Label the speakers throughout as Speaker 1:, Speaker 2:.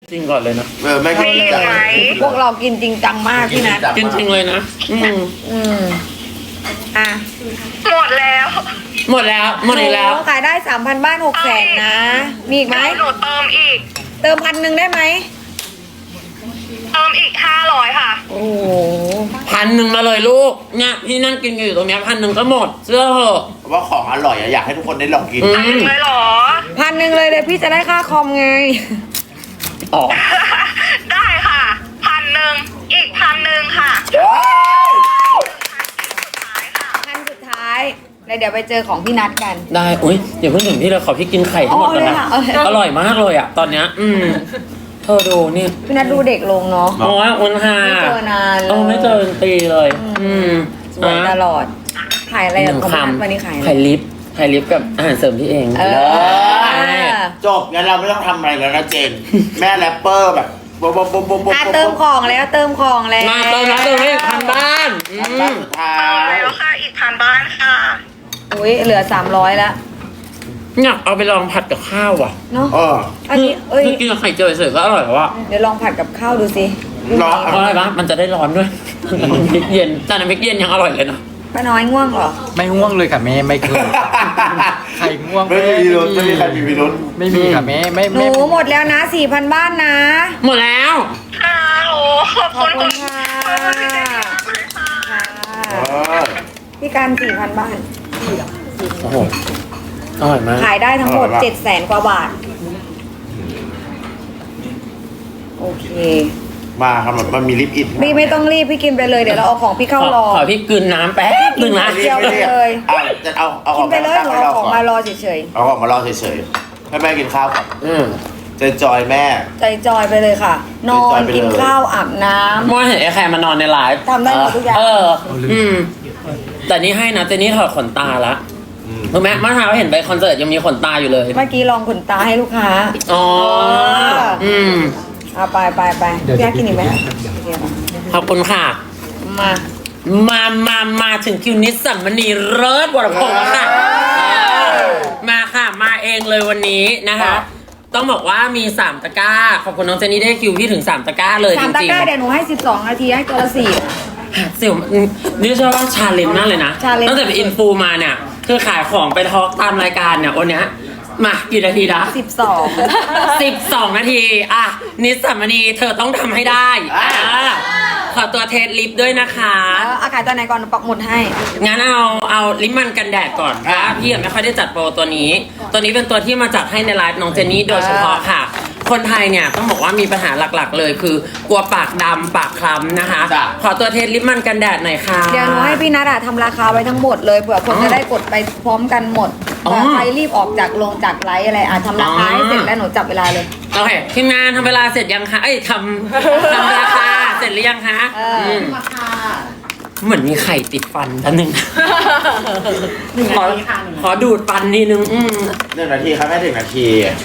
Speaker 1: จริงก่อนเลยนะ
Speaker 2: ไม่กิน
Speaker 3: มีไหม
Speaker 4: พวกเรากินจริงจังมากพี่นัท
Speaker 1: จริงๆเลยนะ
Speaker 4: อ่ะ
Speaker 3: หมดแล้ว
Speaker 1: หมดแล้วหมดอีกแล้ว
Speaker 4: โอ้ขายได้ 3,000 บ้าน 600,000 นะ มีอีกไหม
Speaker 3: หนูเติมอีก
Speaker 4: เติม1,000ได้ไหม
Speaker 3: เติมอีก500ค่ะ
Speaker 4: โอ้โห
Speaker 1: 1,000มาเลยลูกเนี่ยพี่นั่งกินอยู่ตรงเนี้ย1,000ก็หมดเชื่อเหอะ
Speaker 2: ว่าของอร่อยอยากให้ทุกคนได้ลองกิน
Speaker 3: เลยเหรอ
Speaker 4: 1,000เลยพี่จะได้ค่าคอมไง
Speaker 1: อ๋อ
Speaker 3: ได้ค่ะ1,000อีก1,000ค่ะ
Speaker 4: 1,000สุดท้ายแล้วเดี๋ยวไปเจอของพี่นัทกัน
Speaker 1: ได้อุ้ยเดี๋ยวเพิ่งถึงที่เราขอพี่กินไข่ทั้งหมดก่อนนะ
Speaker 4: เอาเลยค่ะ
Speaker 1: อร่อยมากเลยอ่ะตอนเนี้ยเธอดูนี่
Speaker 4: พี่นัทดูเด็กลงเนาะ
Speaker 1: โอ้ยอุ่นค่ะ
Speaker 4: ไม่เจอนานเลย
Speaker 1: ไม่เจอเป็นปีเลย
Speaker 4: สวยตลอด ขายอะไร
Speaker 1: ห
Speaker 4: อ่ะ
Speaker 1: นึ่ง
Speaker 4: ของ
Speaker 1: ค
Speaker 4: พี่นัทวันนี้ขายอะไร
Speaker 1: ำไข่ลิฟต์กับอาหารเสริมพี่เอง
Speaker 4: เออ
Speaker 2: จบงั้นเราไม่ต้องทำอะไรแล้วนะเจน แม่แรปเปอร์แบบบ๊บบ๊บบ๊บบ๊บบ๊บ
Speaker 4: เติมของแล้วเติมของแล้ว
Speaker 1: มาเติมแล้วเติมให้1,000 บ้าน
Speaker 2: บ้านสุดท้า
Speaker 3: เติม
Speaker 2: ย
Speaker 3: แล้วค่ะอีก1,000บ้านค่ะ
Speaker 4: อุ้ยเหลือ300แล้ว
Speaker 1: อยากเอาไปลองผัดกับข้าวอ่ะ
Speaker 4: เนาะ
Speaker 2: เออ
Speaker 4: อันนี้เอ้ย
Speaker 1: คือกินกับไข่เจียวเฉยๆก็อร่อยแล้วอ่ะ
Speaker 4: เดี๋ยวลองผัดกับข้าวดูสิ
Speaker 2: เหรอ
Speaker 1: เพราะอะไรปะมันจะได้ร้อนด้วยน้ำพริกเย็นแต่น้ำพริกเย็นยังอร่อยเลยนะ
Speaker 4: ป้าน้อยง่วงเหรอ
Speaker 5: ไม่ง่วงเลยค่ะแม่ไม่เคยใครง่วง
Speaker 2: ไม่มีพิรุธไม่มีใครมีพิรุธ
Speaker 5: ไม่มีค่ะแม่ไม่
Speaker 4: หนูหมดแล้วนะ 4,000 บ้านนะ
Speaker 1: หมดแล้ว
Speaker 3: ค่ะโอ้ขอบ
Speaker 4: ขอบ
Speaker 3: คุณ
Speaker 4: คุณค่ะ
Speaker 3: ขอบคุณพี่เจนมากเลยค่ะ
Speaker 2: เออ
Speaker 4: พี่การ 4,000 บ้าน
Speaker 1: โอ้โหอร่อยมาก
Speaker 4: ขายได้ทั้งหมด 700,000 กว่าบาท โอเค
Speaker 2: มาครับมันมีลิปอิน
Speaker 4: พี่ไม่ต้องรีบพี่กินไปเลย เดี๋ยวเราเอาของพี่เข้ารอ
Speaker 1: ขอพี่กลืนน้ำแป๊บหนึ่งนะ
Speaker 4: เดียวเลย
Speaker 2: จะเอาอ
Speaker 4: กิ
Speaker 2: อน ก
Speaker 4: ไปเลยหนูเอาของมารอเฉย
Speaker 2: เอาออกมารอเฉยๆให้แม่กินข้าวก่อน เจนจอยแม่
Speaker 4: ๆ ใจจอยไปเลยค่ะ นอ
Speaker 2: ใจจอน ยไปเลย
Speaker 4: กินข้าวอาบน้ำ
Speaker 1: เมื่อวานเห็นไอ้แคร์มานอนในไลฟ์
Speaker 4: ทำได้หมดทุกอย่าง
Speaker 1: แต่นี่ให้นะแต่นี่ถอดขนตาละรู้ไหมเมื่อเช้าเห็นไปคอนเสิร์ตยังมีขนตาอยู่เลย
Speaker 4: เมื่อกี้ลองขนตาให้ลูกค้า
Speaker 1: อ๋อ
Speaker 4: เอาไปพี่อยากกินอีกไหม
Speaker 1: ขอบคุณค่ะ
Speaker 4: มา
Speaker 1: มาถึงคิวนิสสัมมณีเลิศวรพงศ์แล้วค่ะมาค่ะ มาเองเลยวันนี้นะคะ ต้องบอกว่ามี3 ตะกร้า ขอบคุณน้องเจนนี่ได้คิวพี่ถึง3 ตะกร้าเลยจ
Speaker 4: 3 ตะ
Speaker 1: ริง
Speaker 4: กร้าเดี๋ยวหนูให้ 12 นาทีให้ตัวละ4
Speaker 1: ๆเสี่ยวนี่เชื่อว่าชาเลนจ์มากเลยนะ
Speaker 4: challenge
Speaker 1: ตั้งแต่เป็นอินฟูมาเนี่ย คือขายของไปทอล์กตามรายการเนี่ยวันเนี้ยมากี่นาทีนะ
Speaker 4: 12
Speaker 1: 12 นาที อ่ะ นิสสัมมณีเธอต้องทำให้ได้ขอตัวเทสลิปด้วยนะคะ
Speaker 4: ขายตัวไหนก่อนปักหมุดให้
Speaker 1: งั้นเอาลิปมันกันแดดก่อนเพราะว่าพี่ยังไม่ค่อยได้จัดโปรตัวนี้ ตัวนี้เป็นตัวที่มาจัดให้ในไลฟ์น้องเจนนี่โดยเฉพาะค่ะ คนไทยเนี่ยต้องบอกว่ามีปัญหาหลักๆ เลยคือกลัวปากดำปากคล้ำนะคะ ขอตัวเทสลิปมันกันแดดหน่อยค่ะ
Speaker 4: เดี๋ยวหนูให้พี่นัททำราคาไว้ทั้งหมดเลยเผื่อคนจะได้กดไปพร้อมกันหมดเผื่อใครรีบออกจากจากไลฟ์อะไรทำราคาให้เสร็จแล้วหนูจับเวลาเลย
Speaker 1: โอเคทีมงานทำเวลาเสร็จยังคะทำราคาเสร็จหรือยังคะเหมือนมีไข่ติดฟันท่านหนึ่งขอดูดฟันนิดนึง
Speaker 2: 1 นาทีครับแม่1 นาที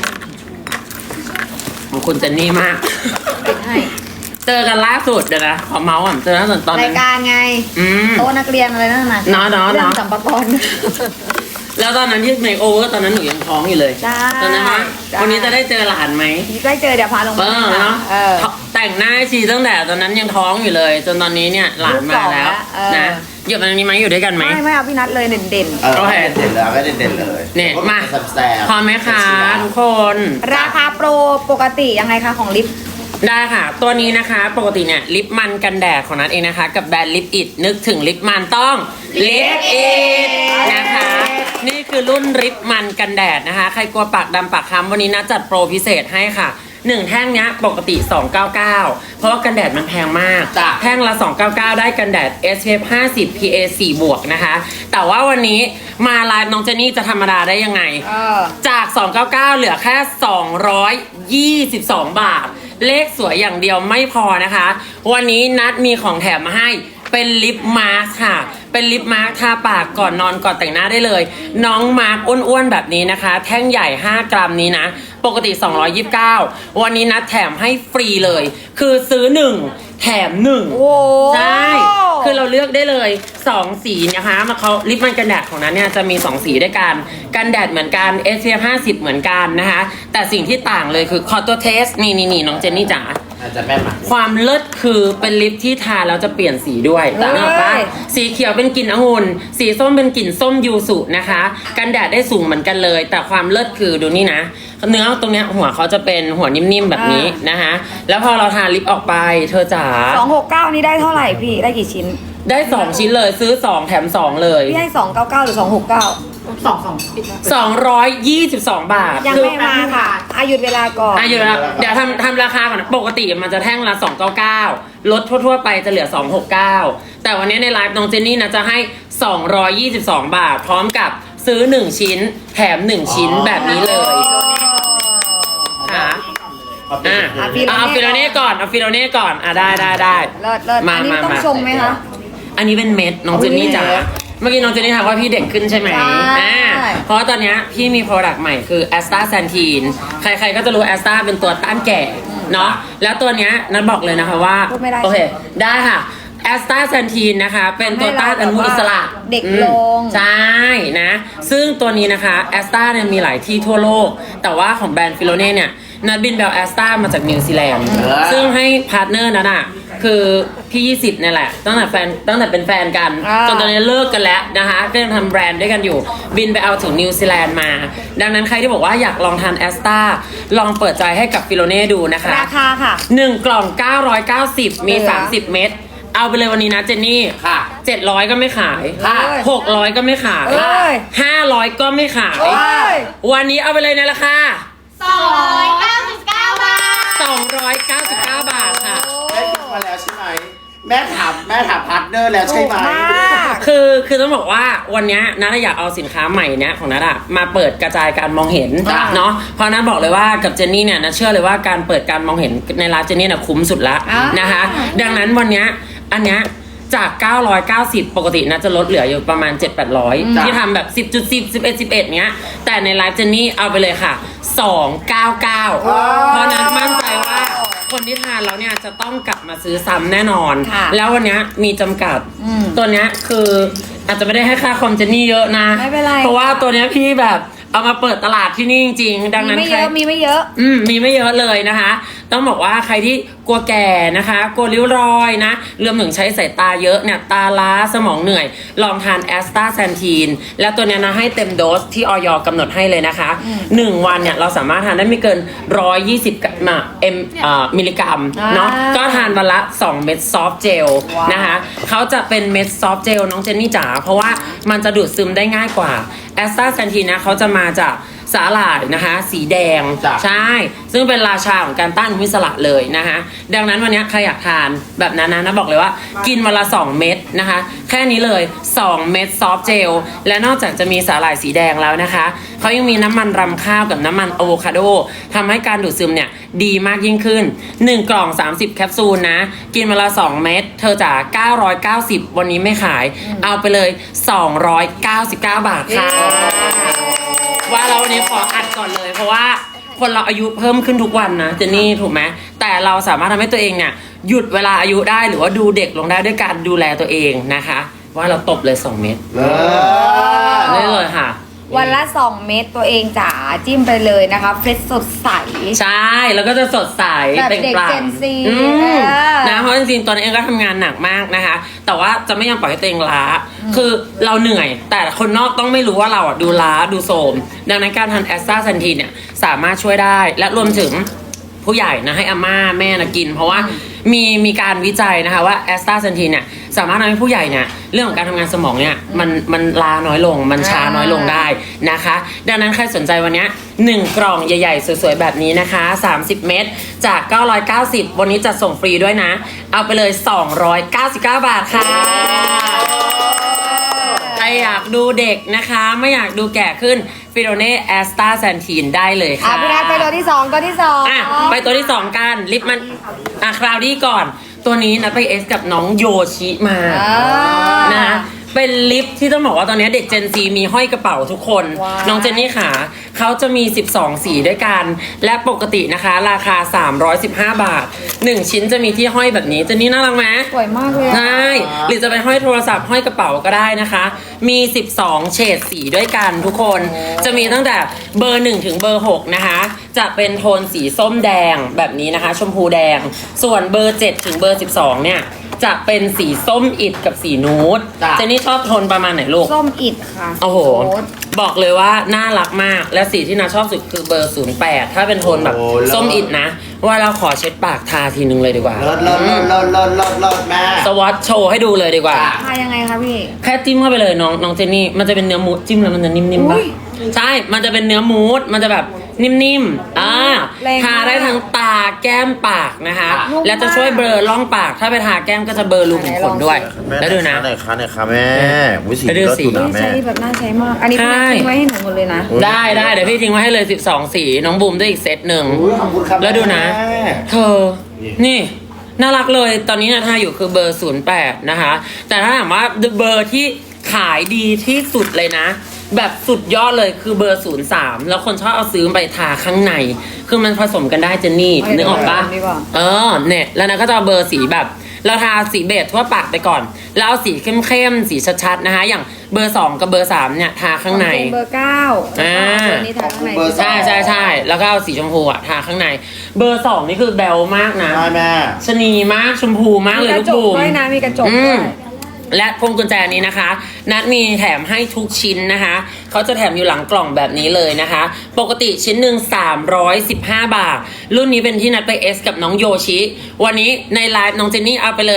Speaker 1: ของคุณเจนนี่มาก
Speaker 4: ปิดให้
Speaker 1: เจอกันล่าสุดเดี๋ยวนะขอเมาส์อ่ะเจอล่าสุดตอน
Speaker 4: รา
Speaker 1: นั้
Speaker 4: ย
Speaker 1: น
Speaker 4: การไงโต๊ะนักเรียนอะไรนั่นน่ะ
Speaker 1: เนาะ
Speaker 4: เรื่องสัมภาระ
Speaker 1: แล้วตอนนั้นที่เมคโอเวอร์ตอนนั้นหนูยังท้องอยู่เลย
Speaker 4: ใช่
Speaker 1: ตอนนั้นนะ
Speaker 4: ใช่
Speaker 1: วันนี้จะได้เจอหลานไหม
Speaker 4: ได้เจอเดี๋ยวพาลงมาให้
Speaker 1: เนาะ
Speaker 4: เออ
Speaker 1: แต่งหน้าให้ชีตั้งแต่ตอนนั้นยังท้องอยู่เลย จนตอนนี้เนี่ยหลานมาแล้ว
Speaker 4: ลูกสองแล้วเออ
Speaker 1: นะอยู่ตรงนี้ไหมอยู่ด้วยกันไหม
Speaker 4: ไม่เอาพี่นัทเลยเด่น
Speaker 2: โอเคเด่นเลยไม่เด่นเลย
Speaker 1: เนี่ยมา
Speaker 2: แซ่บ
Speaker 1: พร้อมไหมคะทุกคน
Speaker 4: ๆราคาโปรปกติยังไงคะของลิฟต์
Speaker 1: ได้ค่ะ ตัวนี้นะคะปกติเนี่ยลิปมันกันแดดของนัทเองนะคะ กับแบรนด์ลิปอิดนึกถึงลิปมันต้องลิปอิดนะคะ นี่คือรุ่นลิปมันกันแดดนะคะ ใครกลัวปากดำปากคล้ำวันนี้นัทจัดโปรพิเศษให้ค่ะ1 แท่งเนี้ยปกติ 299 เพราะว่ากันแดดมันแพงมาก แท่งละ 299 ได้กันแดด SPF 50 PA 4 บวกนะคะ แต่ว่าวันนี้มาไลฟ์น้องเจนนี่จะธรรมดาได้ยังไง จาก 299 เหลือแค่ 222 บาท เลขสวยอย่างเดียวไม่พอนะคะ วันนี้นัดมีของแถมมาให้เป็นลิปมาสก์ค่ะ เป็นลิปมาสก์ทาปากก่อนนอนก่อนแต่งหน้าได้เลย น้องมาร์กอ้วนๆแบบนี้นะคะ แท่งใหญ่ 5 กรัมนี้นะ ปกติ 229 วันนี้นัดแถมให้ฟรีเลย คือซื้อ 1 แถม 1
Speaker 4: โอ้
Speaker 1: ใช่คือเราเลือกได้เลย 2 สีนะคะมาเขาลิปมันกันแดดของนั้นเนี่ยจะมี 2 สีด้วยกันกันแดดเหมือนกัน SPF 50เหมือนกันนะคะแต่สิ่งที่ต่างเลยคือขอตัวเทสนี่น้องเจนนี่จ๋า
Speaker 2: อาจจะแม่นมา
Speaker 1: ความเลิศคือเป็นลิปที่ทาแล้วจะเปลี่ยนสีด้วย
Speaker 4: เฮ้ย
Speaker 1: นึกออกปะสีเขียวเป็นกลิ่นองุ่นสีส้มเป็นกลิ่นส้มยูสุนะคะกันแดดได้สูงเหมือนกันเลย แต่ความเลิศคือดูนี่นะเนื้อตรงเนี้ยหัวเขาจะเป็นหัวนิ่มๆแบบนี้นะคะแล้วพอเราทาลิปออกไปเธอจ๋า
Speaker 4: 269 นี่ได้เท่าไหร่พี่ได้กี่ชิ้น
Speaker 1: ได้ 2 ชิ้นเลยซื้อ 2 แถม 2 เลย
Speaker 4: พี่ให้ 299 หรือ 269
Speaker 1: 222 บาท
Speaker 4: ยังไม่มาค่ะหยุดเวลาก่อน
Speaker 1: อยู่แล้วเดี๋ยวทำราคาก่อนนะปกติมันจะแท่งละ299ลดทั่วๆไปจะเหลือ 269แต่วันนี้ในไลฟ์น้องเจนนี่นะจะให้222 บาท พร้อมกับซื้อ 1 ชิ้นแถม 1 ชิ้นแบบนี้เลยค่ะเอาฟิโลเน่ก่อนได้
Speaker 4: เลิศอันนี้ต้องชมไหมคะ
Speaker 1: อันนี้เป็นเม็ดน้องเจนนี่จ๋าเมื่อกี้น้องเจนนี่ถามว่าพี่เด็กขึ้นใช่ไหม
Speaker 4: ใช่
Speaker 1: เพราะว่าตอนเนี้ยพี่มี product ใหม่คือ Asta Santin ใครๆก็จะรู้ Asta เป็นตัวต้านแก่เนาะแล้วตัวเนี้ยนัทบอกเลยนะคะว่า
Speaker 4: พูดไม่ได้
Speaker 1: โอเคได้ค่ะ Asta Santin นะคะเป็นตัวต้านอนุมูลอิสระ
Speaker 4: เด็กลง
Speaker 1: ใช่นะซึ่งตัวนี้นะคะ Asta เนี่ยมีหลายที่ทั่วโลก แต่ว่าของแบรนด์ฟิโลเน่เนี่ยนัทบินเบล Asta มาจากนิวซีแลนด์ซึ่งให้พาร์ทเนอร์นั้นอ่ะคือพี่20เนี่ยแหละตั้งแต่เป็นแฟนกันจนตอนนี้เลิกกันแล้วนะคะก็ยังทำแบรนด์ด้วยกันอยู่บินไปเอาถึงนิวซีแลนด์มาดังนั้นใครที่บอกว่าอยากลองทานแอสตาลองเปิดใจให้กับฟิโลเน่ดูนะคะ
Speaker 4: ราคาค่ะ
Speaker 1: 1 กล่อง 990 มี 30 เม็ดเอาไปเลยวันนี้นะเจนนี่
Speaker 2: ค่ะ
Speaker 1: 700 ก็ไม่ขาย
Speaker 2: ค่ะ
Speaker 1: 600 ก็ไม่ขาย
Speaker 4: เอ้ย
Speaker 1: 500 ก็ไม่ขาย
Speaker 4: เอ้ย
Speaker 1: วันนี้เอาไปเลยในราคา
Speaker 3: 299 บาท
Speaker 1: 299 บาทค่ะ
Speaker 2: แม่คิดมาแล้วใช่ไหมแม่ถามพาร์ทเนอร์แล้วใช่ไหม
Speaker 4: ถูกมาก
Speaker 1: คือต้องบอกว่าวันเนี้ยนัทอยากเอาสินค้าใหม่เนี้ยของนัทอะมาเปิดกระจายการมองเห็น
Speaker 2: จ้ะ
Speaker 1: เนาะเพราะนัทบอกเลยว่ากับเจนนี่เนี่ยนัทเชื่อเลยว่าการเปิดการมองเห็นในร้านเจนนี่น่ะคุ้มสุดละ
Speaker 4: อ่าน
Speaker 1: นะคะ ดังนั้นวันเนี้ยอันเนี้ยจาก 990 ปกตินะจะลดเหลืออยู่ประมาณ 7-800 ที่ทำแบบ 10.10 11 11เนี้ยแต่ในไลฟ์เจนนี่เอาไปเลยค่ะ 299 เพราะนั้นมั่นใจว่าคนที่ทานแล้วเนี่ยจะต้องกลับมาซื้อซ้ำแน่นอน
Speaker 4: ค่ะ
Speaker 1: แล้ววันเนี้ยมีจำกัด ตัวเนี้ยคืออาจจะไม่ได้ให้ค่าคอมเจนนี่เยอะนะ
Speaker 4: ไม่เป็นไร
Speaker 1: เพราะว่าตัวเนี้ยพี่แบบเอามาเปิดตลาดที่นี่จริงๆดังนั้น
Speaker 4: มีไม่
Speaker 1: ใค
Speaker 4: เย
Speaker 1: ร
Speaker 4: อะมีไม่เยอะ
Speaker 1: มีไม่เยอะเลยนะคะ ต้องบอกว่าใครที่กลัวแก่นะคะ กลัวริ้วรอยนะรวมถึงใช้สายตาเยอะเนี่ยตาล้าสมองเหนื่อย ลองทานแอสตาแซนทีนแล้วตัวเนี้ยนะให้เต็มโดสที่ออยกำหนดให้เลยนะคะ 1 วันเนี่ยเราสามารถทานได้ไม่เกิน 120มิลลิกรัมเนาะก็ทานวันละ 2 เม็ดซอฟต์เจลนะคะเขาจะเป็นเม็ดซอฟต์เจลน้องเจนนี่จ๋าเพราะว่ามันจะดูดซึมได้ง่ายกว่าแอสตาแซนทีนนะเขาจะมาจากสาหร่ายนะคะสีแดง
Speaker 2: จ้ะ
Speaker 1: ใช่ซึ่งเป็นราชาของการต้านอนุมูลอิสระเลยนะคะดังนั้นวันนี้ใครอยากทานแบบนั้นนะบอกเลยว่ากินวันละ 2 เม็ดนะคะแค่นี้เลย 2 เม็ดซอฟต์เจลและนอกจากจะมีสาหร่ายสีแดงแล้วนะคะเขายังมีน้ำมันรำข้าวกับน้ำมันอะโวคาโดทำให้การดูดซึมเนี่ยดีมากยิ่งขึ้น 1 กล่อง 30 แคปซูลนะกินวันละ 2 เม็ดเธอจ๋า990 วันนี้ไม่ขายเอาไปเลย 299 บาทค่ะ ว่าเราวันนี้ขออัดก่อนเลยเพราะว่าคนเราอายุเพิ่มขึ้นทุกวันนะเจนนี่ถูกไหมแต่เราสามารถทำให้ตัวเองเนี่ยหยุดเวลาอายุได้หรือว่าดูเด็กลงได้ด้วยการดูแลตัวเองนะคะ ว่าเราตบเลย 2 เม็ด ได้เลยค่ะ
Speaker 4: วันละ 2 เม็ดตัวเองจ๋าจิ้มไปเลยนะคะเฟรชสดใส
Speaker 1: ใช่แล้วก็จะสดใส
Speaker 4: แบบ
Speaker 1: เปล่ง
Speaker 4: เด็ก
Speaker 1: ปลั่ง
Speaker 4: Gen Z
Speaker 1: อืม
Speaker 4: เออ
Speaker 1: นะเพราะจริงๆตอนนี้เองก็ทำงานหนักมากนะคะ แต่ว่าจะไม่ยอมปล่อยให้ตัวเองล้า คือเราเหนื่อย แต่คนนอกต้องไม่รู้ว่าเราอ่ะดูล้าดูโทรมดังนั้นการทานแอสตาแซนทีนเนี่ยสามารถช่วยได้และรวมถึงผู้ใหญ่นะให้อาม่าแม่นะกิน เพราะว่ามีการวิจัยนะคะว่าแอสตาแซนทีนเนี่ยสามารถทำให้ผู้ใหญ่เนี่ยเรื่องของการทำงานสมองเนี่ยมันล้าน้อยลงมันช้าน้อยลงได้นะคะ ดังนั้นใครสนใจวันเนี้ย1 กล่องใหญ่ๆสวยๆแบบนี้นะคะ30 เม็ดจาก 990 วันนี้จัดส่งฟรีด้วยนะ เอาไปเลย 299 บาทค่ะใครอยากดูเด็กนะคะไม่อยากดูแก่ขึ้นฟิโรเน่แอสตาแซนทีนได้เลยค่ะ
Speaker 4: พี่นัทไปตัวที่2ตัวที่2
Speaker 1: อ่ะไปตัวที่ 2 กันลิปมันคราวดี้ก่อนตัวนี้นัดไปเอสกับน้องโยชิมานะเป็นลิปที่ต้องบอกว่าตอนนี้เด็ก Gen Z มีห้อยกระเป๋าทุกคน
Speaker 4: ว้าว
Speaker 1: น้องเจนนี่ขาเขาจะมี12 สีด้วยกัน และปกตินะคะราคา 315 บาท 1 ชิ้นจะมีที่ห้อยแบบนี้เจนนี่น่ารักไหม
Speaker 4: สวยมากเลยอะ
Speaker 1: ใช่หรือจะไปห้อยโทรศัพท์ห้อยกระเป๋าก็ได้นะคะ มี 12 เฉดสีด้วยกันทุกคน จะมีตั้งแต่เบอร์ 1 ถึงเบอร์ 6 นะคะ จะเป็นโทนสีส้มแดงแบบนี้นะคะ ชมพูแดง ส่วนเบอร์ 7 ถึงเบอร์ 12 เนี่ย จะเป็นสีส้มอิฐกับสีนูด
Speaker 2: จ้ะ
Speaker 1: เจนนี่ชอบโทนประมาณไหนลูก
Speaker 4: ส้มอิดค่ะ
Speaker 1: โอ้โห
Speaker 4: โค้ด
Speaker 1: บอกเลยว่าน่ารักมาก และสีที่นาชอบสุดคือเบอร์ 08 ถ้าเป็นโทนแบบ
Speaker 2: โอ้เลิศ
Speaker 1: ส้มอิฐนะ ว่าเราขอเช็ดปากทาทีนึงเลยดีกว่า
Speaker 2: เลิศเลิศเลิศเลิศเลิศเลิศเลิศแม่
Speaker 1: สวอตโชว์ให้ดูเลยดีกว่า
Speaker 2: จ้ะ
Speaker 4: ทายังไงคะพี่
Speaker 1: แค่จิ้มเข้าไปเลยน้องเจนนี่ มันจะเป็นเนื้อมูสจิ้มแล้วมันจะนิ่มๆ
Speaker 4: อุ๊
Speaker 1: ป่ะ
Speaker 4: ย
Speaker 1: ใช่ มันจะเป็นเนื้อมูสมันจะแบบนิ่มๆ
Speaker 4: แรงมาก
Speaker 1: ทาได้ทั้งตาแก้มปากนะคะ
Speaker 4: นุ่มมาก
Speaker 1: แล้วจะช่วยเบลอร่องปาก ถ้าไปทาแก้มก็จะเบลอรูขุมขนด้วย แล้วดูนะ
Speaker 2: ไหนคะไหนคะแม่วิสี
Speaker 1: แล้วดู
Speaker 2: เลิศ
Speaker 1: สี
Speaker 2: อยู่นะ
Speaker 4: ใช้
Speaker 2: แม่
Speaker 4: แบบน่าใช้มาก อันนี้พี่นัท
Speaker 1: ใช่
Speaker 4: ทิ้งไว้ให้หนูหมดเลยนะ
Speaker 1: ได้เดี๋ยวพี่ทิ้งไว้ให้เลย 12 สี น้องบูมด้วยอีกเซตหนึ่ง
Speaker 2: อุ๊ยขอบคุณครับ
Speaker 1: แล้วดูนะ
Speaker 2: แม่
Speaker 1: เธอ นี่ น่ารักเลย ตอนนี้นะทาอยู่คือเบอร์ 08 นะคะ แต่ถ้าถามว่าเบอร์ที่ขายดีที่สุดเลยนะ แบบสุดยอดเลยคือเบอร์ 03 แล้วคนชอบเอาซื้อไปทาข้างใน คือมันผสมกันได้เจนนี่
Speaker 4: เอา
Speaker 1: นึกออกปะ
Speaker 4: ดีกว่า
Speaker 1: เนี่ยแล้วนะก็จะเอาเบอร์สีแบบ เราทาสีเบจทั่วปากไปก่อน แล้วเอาสีเข้มๆ สีชัดๆ นะคะ อย่างเบอร์ 2 กับเบอร์ 3 เนี่ย ทาข้างใน
Speaker 4: เบอร์ 9
Speaker 1: อ่า
Speaker 4: ตัวนี้ทาข้างใน
Speaker 2: เบอร์
Speaker 1: ใช่แล้วก็เอาสีชมพูอะทาข้างใน เบอร์ 2 นี่คือแบลมากนะ
Speaker 2: ใช่แม่
Speaker 1: ชะนีมากชมพูมาก
Speaker 4: มี
Speaker 1: เลย
Speaker 4: ก
Speaker 1: ลู
Speaker 4: ระ
Speaker 1: ก
Speaker 4: จก
Speaker 1: บูม
Speaker 4: ด้วยนะ มีกระจก
Speaker 1: อื
Speaker 4: ด้ว
Speaker 1: ม
Speaker 4: ย
Speaker 1: และพวงกุญแจนี้นะคะ นัดมีแถมให้ทุกชิ้นนะคะ เขาจะแถมอยู่หลังกล่องแบบนี้เลยนะคะ ปกติชิ้นหนึ่ง315 บาท รุ่นนี้เป็นที่นัดไปเอสกับน้องโยชิ วันนี้ในไลฟ์น้องเจนนี่เอาไปเลย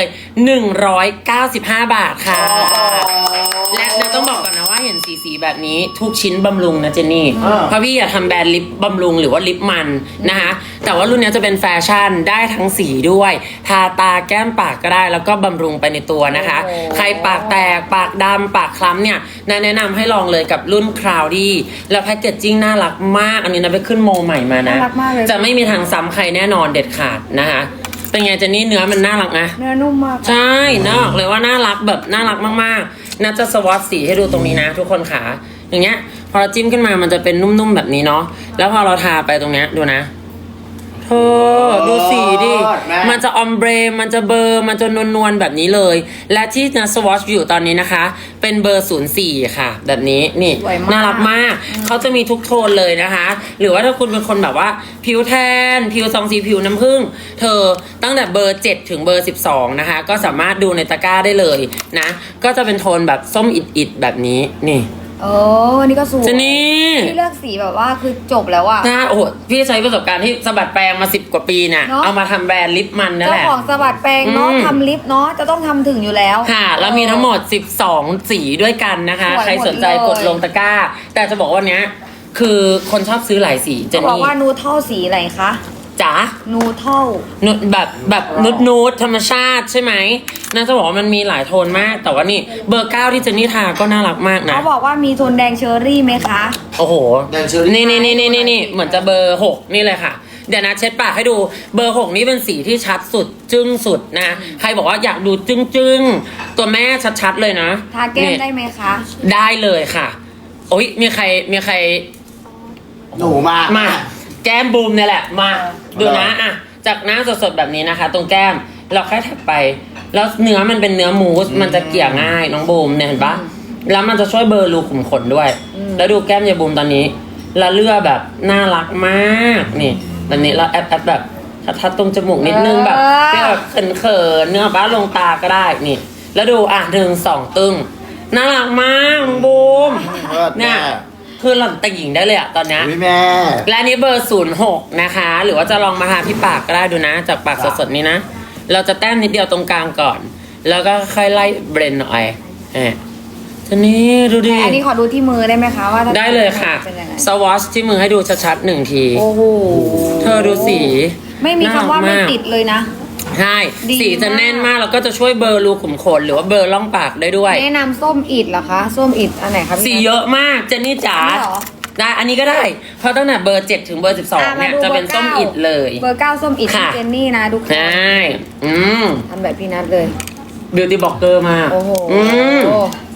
Speaker 1: 195 บาทค่ะ และเราต้องบอกก่อนนะว่าเห็นสีแบบนี้ทุกชิ้นบำรุงนะเจนนี่ เพราะพี่อยากทำแบรนด์ลิปบำรุงหรือว่าลิปมันนะคะ แต่ว่ารุ่นนี้จะเป็นแฟชั่นได้ทั้งสีด้วย ทาตาแก้มปากก็ได้แล้วก็บำรุงไปในตัวนะคะ
Speaker 4: โอ้
Speaker 1: ใครปากแตกปากดำปากคล้ำเนี่ยแนะนำให้ลองเลยกับรุ่นคราวดี้แล้วแพคเกจจิ้งน่ารักมาก อันนี้นะไปขึ้นโมใหม่มานะ
Speaker 4: น่ารักมากเลย
Speaker 1: จะไม่มีทางซ้ำใครแน่นอนเด็ดขาดนะคะ เป็นไงเจนนี่เนื้อมันน่ารักนะ
Speaker 4: เนื้อนุ่มมาก
Speaker 1: ใช่น่าบอกเลยว่าน่ารักแบบน่ารักมากๆน่าจะสวอตสีให้ดูตรงนี้นะทุกคนขาอย่างเงี้ยพอเราจิ้มขึ้นมามันจะเป็นนุ่มๆแบบนี้เนาะแล้วพอเราทาไปตรงเนี้ยดูนะเธอดูสีดิ
Speaker 2: แม่
Speaker 1: มันจะออมเบรมันจะเบอร์มันจะนวลๆแบบนี้เลย และที่นะสวอชอยู่ตอนนี้นะคะ เป็นเบอร์ 04 ค่ะ แบบนี้นี่
Speaker 4: สวยมาก
Speaker 1: น่ารักมากเขาจะมีทุกโทนเลยนะคะ หรือว่าถ้าคุณเป็นคนแบบว่าผิวแทนผิวซองสีผิวน้ำผึ้งเธอตั้งแต่เบอร์ 7 ถึงเบอร์ 12 นะคะ ก็สามารถดูในตะกร้าได้เลยนะ ก็จะเป็นโทนแบบส้มอิดๆแบบนี้นี่
Speaker 4: อันนี้ก็สวย
Speaker 1: เจนนี่
Speaker 4: พี่เลือกสีแบบว่าคือจบแล้วอะ
Speaker 1: นะโอ้โหพี่ใช้ประสบการณ์ที่สะบัดแปรงมา10 กว่าปีเนี่ย
Speaker 4: เนอะ
Speaker 1: เอามาทำแบรนด์ลิปมันนั่น
Speaker 4: เจ้า
Speaker 1: แหละ
Speaker 4: ของสะบัดแปรงเนาะ
Speaker 1: อืม
Speaker 4: ทำลิปเนาะจะต้องทำถึงอยู่แล้ว
Speaker 1: ค่ะแล้วมีทั้งหมด 12 สีด้วยกันนะคะ
Speaker 4: สวยหมด
Speaker 1: ใครสนใจ
Speaker 4: เลย
Speaker 1: กดลงตะกร้า แต่จะบอกว่าเนี้ยคือคนชอบซื้อหลายสีเจ
Speaker 4: เขา
Speaker 1: น
Speaker 4: บอก
Speaker 1: นี่
Speaker 4: ว่านูเท่าสีอะไรคะ
Speaker 1: จ๋า
Speaker 4: นูเท่า
Speaker 1: นุดแบบนูดธรรมชาติใช่ไหมน่าจะบอกว่ามันมีหลายโทนมาก แต่ว่านี่เบอร์ 9 ที่เจนนี่ทาก็น่ารักมากนะ
Speaker 4: เขาบอกว่ามีโทนแดงเชอร์รี่ไหมคะ
Speaker 1: โอ้โห
Speaker 2: แดงเชอรี่
Speaker 1: นี่เหมือนจะเบอร์ 6 นี่เลยค่ะ เดี๋ยวนะเช็ดปากให้ดูเบอร์ 6 นี่เป็นสีที่ชัดสุดจึ้งสุดนะ ใครบอกว่าอยากดูจึ้งตัวแม่ชัดๆเลยนะ
Speaker 4: ทาแก้ม
Speaker 1: นี่
Speaker 4: ได้ไหมคะ
Speaker 1: ได้เลยค่ะ โอ้ยมีใคร
Speaker 2: หนูมา
Speaker 1: มาแก้มบูมเนี่ยแหละมาดูนะอ่ะจากหน้าสดๆแบบนี้นะคะ ตรงแก้มเราแค่แท็บไป แล้วเนื้อมันเป็นเนื้อมูสมันจะเกลี่ยง่ายน้องบูมเนี่ยเห็นปะแล้วมันจะช่วยเบลอร์รูขุมขนด้วย แล้วดูแก้มยายบูมตอนนี้ละเลือแบบน่ารักมากนี่ตอนนี้เราแอปแบบทัดตรงจมูกนิดนึงแบบเปรี้ยวแบบเขินๆเนื้อบ้าลงตาก็ได้นี่ แล้วดูอ่ะ1 2 ตึงน่ารักมากน้องบูม
Speaker 2: เลิศ
Speaker 1: เนี่
Speaker 2: แม่
Speaker 1: ยคือหล่อนแต่งหญิงได้เลยอะตอนเนี้ย
Speaker 2: อุ๊ยแม่
Speaker 1: และอันนี้เบอร์ 06 นะคะ หรือว่าจะลองมาทาที่ปากก็ได้ดูนะ จากปากสดๆนี้นะ เราจะแต้มนิดเดียวตรงกลางก่อน แล้วก็ค่อยไล่เบรนหน่อยทีนี้ดูดิ
Speaker 4: อันนี้ขอดูที่มือได้ไหมคะว่าถ้า
Speaker 1: ได้เลยค่ะ
Speaker 4: เป็นยังไง
Speaker 1: สวอชที่มือให้ดูชัดๆ1 ที
Speaker 4: โอ้โห
Speaker 1: เธอดูสี
Speaker 4: ไม่มีคำว่าไม่
Speaker 1: น่รักก
Speaker 4: ติดเลยนะ
Speaker 1: ใช่
Speaker 4: ดี
Speaker 1: สีจะแน่นมากแล้วก็จะช่วยเบลอร์รูขุมขนหรือว่าเบลอร์ร่องปากได้ด้วย
Speaker 4: แนะนำส้มอิดเหรอคะส้มอิดอันไหนคะพี่
Speaker 1: สีเยอะมากเจนนี่จ๋า
Speaker 4: อันนี้เหรอ
Speaker 1: ได้อันนี้ก็ได้ เพราะตั้งแต่เบอร์ 7 ถึงเบอร์ 12 เนี่ยจะเป็นส้มอิดเลย
Speaker 4: เบอร์ 9 ส้มอิด
Speaker 1: ค่ะ
Speaker 4: ที่เจนนี่นะทุกคน
Speaker 1: ใช่ท
Speaker 4: ทำแบบพี่นัทเลย
Speaker 1: บิวตี้บล็อกเกอร์มาก
Speaker 4: โอ้โห
Speaker 1: อืม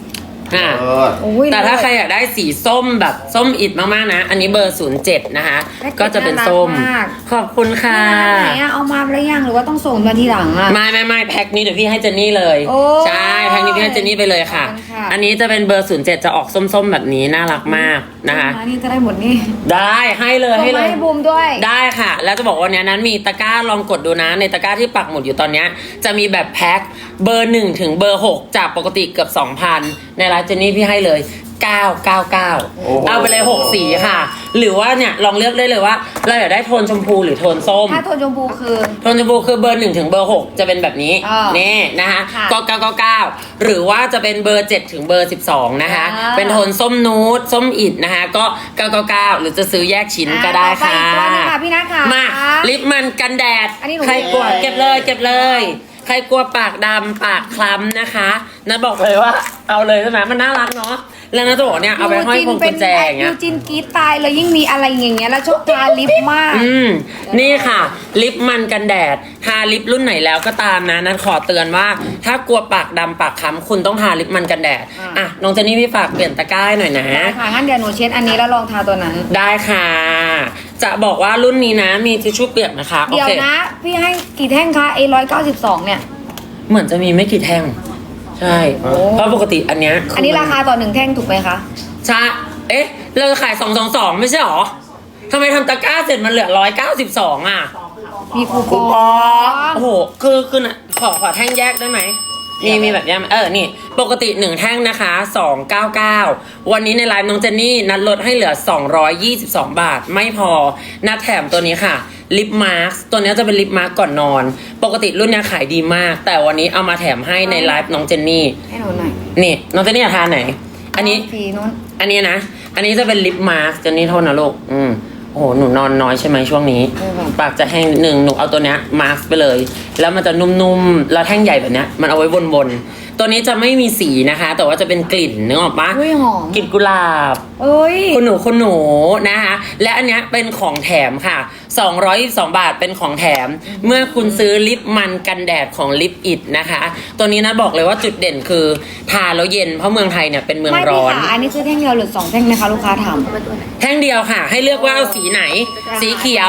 Speaker 1: อ่ะ
Speaker 4: โอ้ย
Speaker 1: แต่ถ้าใครอยากได้สีส้มแบบส้มอิดมากๆนะ อันนี้เบอร์ 07 นะคะ ก็จะเป็นส้ม ขอบคุณค่ะ
Speaker 4: ไหนอะเอามาแล้วยังหรือว่าต้องส่งมาทีหลังอะ
Speaker 1: ไม่แพ็คนี้เดี๋ยวพี่ให้เจนนี่เลย
Speaker 4: โอ้
Speaker 1: ใช่แพ็คนี้พี่ให้เจนนี่ไปเลยค่ะ
Speaker 4: ขอบคุณค่ะ
Speaker 1: อันนี้จะเป็นเบอร์ 07 จะออกส้มๆแบบนี้น่ารักมากนะคะ
Speaker 4: นี่จะได้หมดนี่
Speaker 1: ได้ให้เลย
Speaker 4: ส่ง
Speaker 1: ให้เล
Speaker 4: มาย ให้บูมด้วย
Speaker 1: ได้ค่ะ แล้วจะบอกว่าวันนี้นั้นมีตะกร้าลองกดดูนะ ในตะกร้าที่ปักหมุดอยู่ตอนเนี้ยจะมีแบบแพ็คเบอร์ 1 ถึงเบอร์ 6 จากปกติเกือบ 2,000 ในร้านเจนนี่พี่ให้เลย 999
Speaker 2: โอ้โห
Speaker 1: เอาไปเลย 6 สีค่ะ หรือว่าเนี่ยลองเลือกได้เลยว่าเราอยากได้โทนชมพูหรือโทนส้ม
Speaker 4: ถ้าโทนชมพูคือ
Speaker 1: โทนชมพูคือเบอร์ 1 ถึงเบอร์ 6 จะเป็นแบบนี้
Speaker 4: อ่า
Speaker 1: นี่นะคะ
Speaker 4: ค่ะ
Speaker 1: ก็999 หรือว่าจะเป็นเบอร์ 7 ถึงเบอร์ 12 นะคะ
Speaker 4: อ่า
Speaker 1: เป็นโทนส้มนูดส้มอิดนะคะ ก็ 999 หรือจะซื้อแยกชิ้นก็ได้ค่ะ
Speaker 4: ต่อไปอีกตัวหนึงค่ะพี่นัทค่ะ
Speaker 1: มาลิปมันกันแดด
Speaker 4: อันนี้หนู
Speaker 1: ใครกลัว
Speaker 4: มี
Speaker 1: เก็บเลยเก็บเลย ใครกลัวปากดำปากคล้ำนะคะนัทบอกเลยว่าเอาเลยใช่ไหมมันน่ารักเนาะแล้วนัทจะบอกเนี่ยเอาไปห้อยพวงกุญแจอย่างเงี้
Speaker 4: ยู
Speaker 1: ย
Speaker 4: จินกรีดตายเลยยิ่งมีอะไรอย่างเงี้ยแล้วชอบทาลิปมาก
Speaker 1: นี่ค่ะ ลิปมันกันแดดทาลิปรุ่นไหนแล้วก็ตามนะนัทขอเตือนว่า ถ้ากลัวปากดำปากคล้ำคุณต้องทาลิปมันกันแดด
Speaker 4: อ่ะ
Speaker 1: อ่ะน้องเจนนี่พี่ฝากเปลี่ยนตะกร้าให้หน่อยนะ
Speaker 4: ได้ค่ะงั้นเดี๋ยวหนูเช็ดอันนี้แล้วลองทาตัวนั้น
Speaker 1: ได้ค่ะ จะบอกว่ารุ่นนี้นะมีทิชชู่เปียกนะคะโอ
Speaker 4: เดี๋ยว
Speaker 1: เค
Speaker 4: นะ พี่ให้กี่แท่งคะ192เนี่ย
Speaker 1: เหมือนจะมีไม่กี่แท่ง ใช่ เพราะปกติอันเนี้ย
Speaker 4: อันนี้ราคาต่อ1แท่งถูกไหมคะ
Speaker 1: ใช่เอ๊ะ เราขาย222ไม่ใช่หรอทำไมทำตะกร้าเสร็จมันเหลือ192อ่ะ
Speaker 4: มีคูป
Speaker 2: คู
Speaker 4: อ
Speaker 2: ปอง
Speaker 1: โอ้โห คือน่ะขอแท่งแยกได้ไหม มีแบบแยกไหมนี่ ปกติ1แท่งนะคะ299วันนี้ในไลฟ์น้องเจนนี่นัดลดให้เหลือ222 บาท ไม่พอ นัดแถมตัวนี้ค่ะ ลิปมาร์คตัวนี้จะเป็นลิปมาร์คก่อนนอน ปกติรุ่นนี้ขายดีมาก แต่วันนี้เอามาแถมให้ในไลฟ์น้องเจนนี่
Speaker 4: ให้หนูหน่อย
Speaker 1: นี่ น้องเจนนี่อยากทานไหน อันนี้
Speaker 4: สีนู้น
Speaker 1: อันนี้นะ อันนี้จะเป็นลิปมาร์คเจนนี่โทษนะลูก โอ้โห หนูนอนน้อยใช่ไหมช่วงนี้ ปากจะแห้งนิดนึง หนูเอาตัวเนี้ยมาร์คไปเลย แล้วมันจะนุ่มๆ แล้วแท่งใหญ่แบบเนี้ย มันเอาไว้วนๆ ตัวนี้จะไม่มีสีนะคะ แต่ว่าจะเป็นกลิ่นนึกออกปะ
Speaker 4: อุ้ยหอม
Speaker 1: กลิ่นกุหลาบ
Speaker 4: เอ้ย
Speaker 1: คุณหนูนะคะ และอันเนี้ยเป็นของแถมค่ะ222 บาทเป็นของแถม เมื่อคุณซื้อลิปมันกันแดดของลิปอิดนะคะ ตัวนี้นะบอกเลยว่าจุดเด่นคือทาแล้วเย็น เพราะเมืองไทยเนี่ยเป็นเมือง
Speaker 4: ไม่
Speaker 1: ร้
Speaker 4: พี่
Speaker 1: อน
Speaker 4: ขาอันนี้คือแท่งเดียวหรือ2แท่งนะคะลูกค้าถาม
Speaker 1: แท่งเดียวค่ะ ให้เลือกว่าเอาสีไหน สีเขียว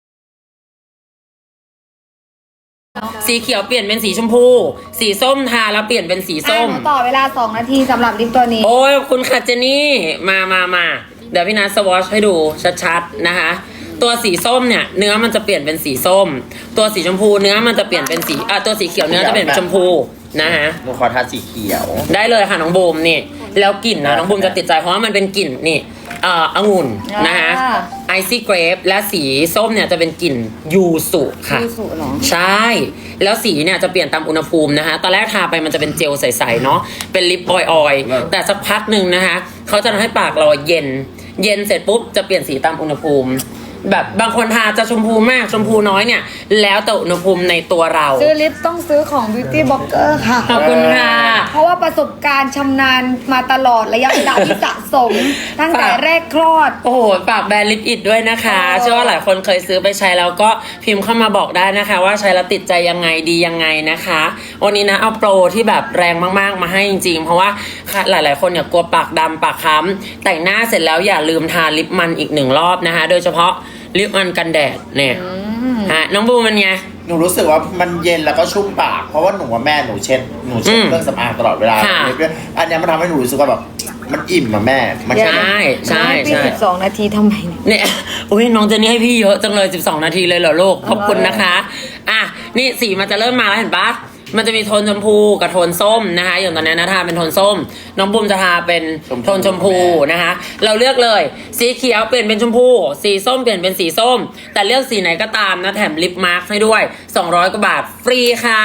Speaker 1: สีเขียวเปลี่ยนเป็นสีชมพู สีส้มทาแล้วเปลี่ยนเป็นสีส้ม
Speaker 4: หนูต่อเวลา2นาทีสำหรับลิปตัวนี้
Speaker 1: โอ้ยคุณค่ะเจนนี่มาเดี๋ยวพี่นัทสวอชให้ดูชัดๆนะคะ ตัวสีส้มเนี่ยเนื้อมันจะเปลี่ยนเป็นสีส้ม ตัวสีชมพูเนื้อมันจะเปลี่ยนเป็นสีตัวสีเขียวเนื้อจะเปลี่ยนเป็นชมพูนะคะ
Speaker 2: หนูขอทาสีเขียว
Speaker 1: ได้เลยค่ะน้องบูมนี่ แล้วกลิ่นนะน้องบูมจะติดใจเพราะว่ามันเป็นกลิ่นนี่องุ่นนะคะไอซี่เกรปและสีส้มเนี่ยจะเป็นกลิ่นยูสุค่ะ
Speaker 4: ยูสุเหรอ
Speaker 1: ใช่ แล้วสีเนี่ยจะเปลี่ยนตามอุณหภูมินะคะ ตอนแรกทาไปมันจะเป็นเจลใสๆเนาะ เป็นลิปออยล์แต่สักพักหนึ่งนะคะ เขาจะทำให้ปากเราเย็น เย็นเสร็จปุ๊บจะเปลี่ยนสีตามอุณหภูมิ แบบบางคนทาจะชมพูมากชมพูน้อยเนี่ย แล้วแต่อุณหภูมิในตัวเรา
Speaker 4: ซื้อลิปต้องซื้อของ Beauty Blogger ค่ะ
Speaker 1: ขอบคุณค่ะ
Speaker 4: เพราะว่าประสบการณ์ชำนาญมาตลอดระยะเวลาที่สะสม ตั้งแต่แรกคลอด
Speaker 1: โอ้โหฝากแบรนด์ลิปอิดด้วยนะคะ เชื่อว่าหลายคนเคยซื้อไปใช้แล้วก็พิมพ์เข้ามาบอกได้นะคะ ว่าใช้แล้วติดใจยังไงดียังไงนะคะ วันนี้นะเอาโปรที่แบบแรงมากๆมาให้จริงๆ เพราะว่าหลายๆคนเนี่ยกลัวปากดำปากค้ำแต่งหน้าเสร็จแล้วอย่าลืมทาลิปมันอีก1รอบนะคะ โดยเฉพาะลิปมันกันแดดเนี่ยน้องบูมันไง
Speaker 2: หนูรู้สึกว่ามันเย็นแล้วก็ชุ่มปาก เพราะว่าหนูว่าแม่หนูเช็ดเครื่องสำอางตลอดเวลา
Speaker 1: ค่ะ
Speaker 2: อันเนี้ยมันทำให้หนูรู้สึกว่าแบบมันอิ่มอะแม่ มัน
Speaker 1: ใช่ใช่
Speaker 4: พี่
Speaker 1: ใช่
Speaker 4: 12 นาทีทำไมเนี่ย
Speaker 1: เนี่ยอุ้ยน้องเจนนี่ให้พี่เยอะจังเลย12 นาทีเลยเหรอลูกขอบคุณนะคะนี่สีมันจะเริ่มมาแล้วเห็นปะมันจะมีโทนชมพูกับโทนส้มนะคะอย่างตอนนี้นะทาเป็นโทนส้ม น้องบุมจะทาเป็นโทนชมพูนะคะ เราเลือกเลยสีเขียวเปลี่ยนเป็นชมพู สีส้มเปลี่ยนเป็นสีส้ม แต่เลือกสีไหนก็ตามนะแถมลิปมาร์คให้ด้วย200 กว่าบาทฟรีค่ะ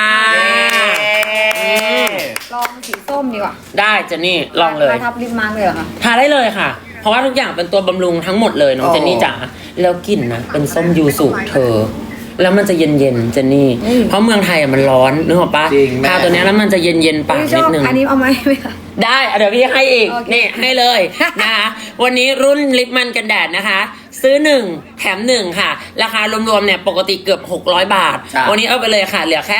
Speaker 4: ลองสีส้มดีกว่า
Speaker 1: ได้เจนนี่ลองเลย
Speaker 4: มาทับลิปมาร์กเลยเหรอคะ
Speaker 1: ทาได้เลยค่ะ เพราะว่าทุกอย่างเป็นตัวบำรุงทั้งหมดเลยน้องเจนนี่จ๋าแล้วกลิ่นนะเป็นส้มยูสุเธอ แล้วมันจะเย็นๆเจนนี่ เพราะเมืองไทยมันร้อนนึกออกปะ
Speaker 2: จริงแม่
Speaker 1: ทาตัวเนี้ยแล้วมันจะเย็นๆปาก
Speaker 4: พี่ช
Speaker 1: นิ
Speaker 4: อ
Speaker 1: ด
Speaker 4: บ
Speaker 1: นึง
Speaker 4: อันนี้เอาไหมไหมคะ
Speaker 1: ได้เดี๋ยวพี่ให้อีก
Speaker 4: โอเค
Speaker 1: นี่ให้เลย นะคะ วันนี้รุ่นลิปมันกันแดดนะคะซื้อ1แถม1ค่ะราคารวมๆเนี่ยปกติเกือบ600 บาท
Speaker 2: ครับ
Speaker 1: วันนี้เอาไปเลยค่ะเหลือแค่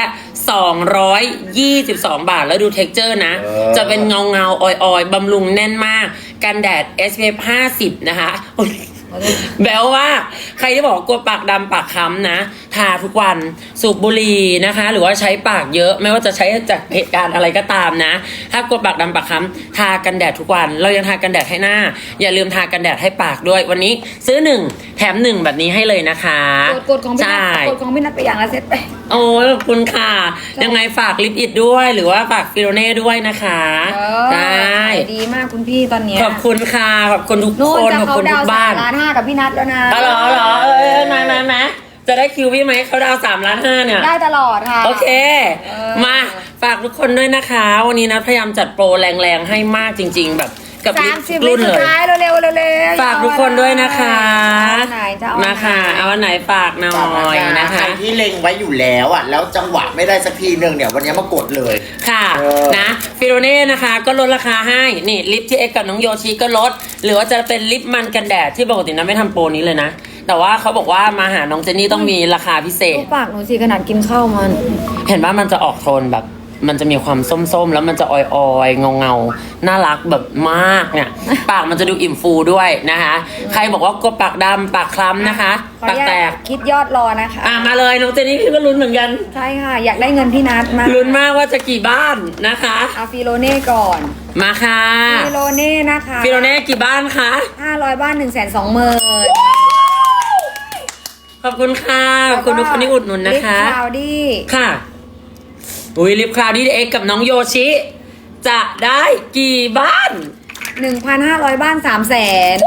Speaker 1: 222 บาทแล้วดูเท็กเจอร์นะ จะเป็นเงาออยบำรุงแน่นมากกันแดด SPF 50 นะคะอุ๊ยแบลว่าใครที่บอกว่ากลัวปากดำปากค้ำนะ ทาทุกวันสูบบุหรี่นะคะ หรือว่าใช้ปากเยอะไม่ว่าจะใช้จากเหตุการณ์อะไรก็ตามนะ ถ้ากลัวปากดำปากค้ำทากันแดดทุกวันเรายังทากันแดดให้หน้า อย่าลืมทากันแดดให้ปากด้วยวันนี้ซื้อ1แถม1แบบนี้ให้เลยนะคะ
Speaker 4: กดของพี่นั
Speaker 1: ใช่
Speaker 4: ทกดของพี่นัทไปอย่างละเซตไป
Speaker 1: โอ้ยขอบคุณค่ะ ยังไงฝากลิปอิดด้วยหรือว่าฝากฟิโรเน่ด้วยนะคะ ได้
Speaker 4: ขายดีมากคุณพี่ตอนเนี้ย
Speaker 1: ขอบคุณค่ะขอบคุณทุก
Speaker 4: โน่
Speaker 1: คน น
Speaker 4: จะ
Speaker 1: ขอบ
Speaker 4: เขา
Speaker 1: คุณ
Speaker 4: ดา
Speaker 1: ทุ
Speaker 4: ว
Speaker 1: กบ้าน
Speaker 4: 3.5 กับพี่นัทแล้วนะ
Speaker 1: อ๋อเหรอมาจะได้คิวพี่ไหมเขาดาว3.5 เนี่ย
Speaker 4: ได้ตลอดค่ะ
Speaker 1: โอเค
Speaker 4: เออ
Speaker 1: มาฝากทุกคนด้วยนะคะ วันนี้นะพยายามจัดโปรแรงๆให้มากจริง ๆ แบบกับลิป
Speaker 4: 30
Speaker 1: รุ่น
Speaker 4: สุ
Speaker 1: เล
Speaker 4: ด
Speaker 1: ย
Speaker 4: ท้ายเร็วๆ
Speaker 1: ฝากทุกคนด้วยนะคะ
Speaker 4: เอาไหนจะเอา
Speaker 1: มาค่ะเอาอันไหนฝากหน่อยนะ
Speaker 2: ใคร
Speaker 1: คะ
Speaker 2: ที่เล็งไว้อยู่แล้วอ่ะแล้วจังหวะไม่ได้สักทีหนึ่งเนี่ยวันนี้มากดเลย
Speaker 1: ค่ะ
Speaker 2: เออ
Speaker 1: นะฟิโรเน่นะคะก็ลดราคาให้นี่ลิปที่เอ็กกับน้องโยชิก็ลด หรือว่าจะเป็นลิปมันกันแดดที่ปกตินะไม่ทำโปรนี้เลยนะ แต่ว่าเขาบอกว่ามาหาน้องเจนนี่ต้องมีราคาพิเศษ
Speaker 4: ดูปากหนูสิขนาดกินข้าวมัน
Speaker 1: เห็นว่ามันจะออกโทนแบบ มันจะมีความส้มๆ แล้วมันจะออยๆเงาๆน่ารักแบบมากเนี่ย ปากมันจะดูอิ่มฟูด้วยนะคะ ใครบอกว่ากลัวปากดำปากคล้ำนะคะ
Speaker 4: ขอ
Speaker 1: ปาก
Speaker 4: อนุ
Speaker 1: แต
Speaker 4: ญาต
Speaker 1: ก
Speaker 4: คิดยอดรอนะคะ
Speaker 1: มาเลยน้องเจนนี่พี่ก็ลุ้นเหมือนกัน
Speaker 4: ใช่ค่ะ อยากได้เงินพี่นัทมาก
Speaker 1: ลุ้นมากว่าจะกี่บ้านนะคะ
Speaker 4: เอาฟิโลเน่ก่อน
Speaker 1: มาค่ะ
Speaker 4: ฟิโลเน่นะคะ
Speaker 1: ฟิโรเน่กี่บ้านคะ
Speaker 4: 500 บ้าน 120,000
Speaker 1: ขอบคุณค่ะขอบคุณทุกคนที่อุดหนุนนะคะ
Speaker 4: ลิปคลาวดี้
Speaker 1: ค่ะอุ้ยลิปคลาวดี้เอ็กกับน้องโยชิ จะได้กี่บ้าน
Speaker 4: 1,500 บ้าน 300,000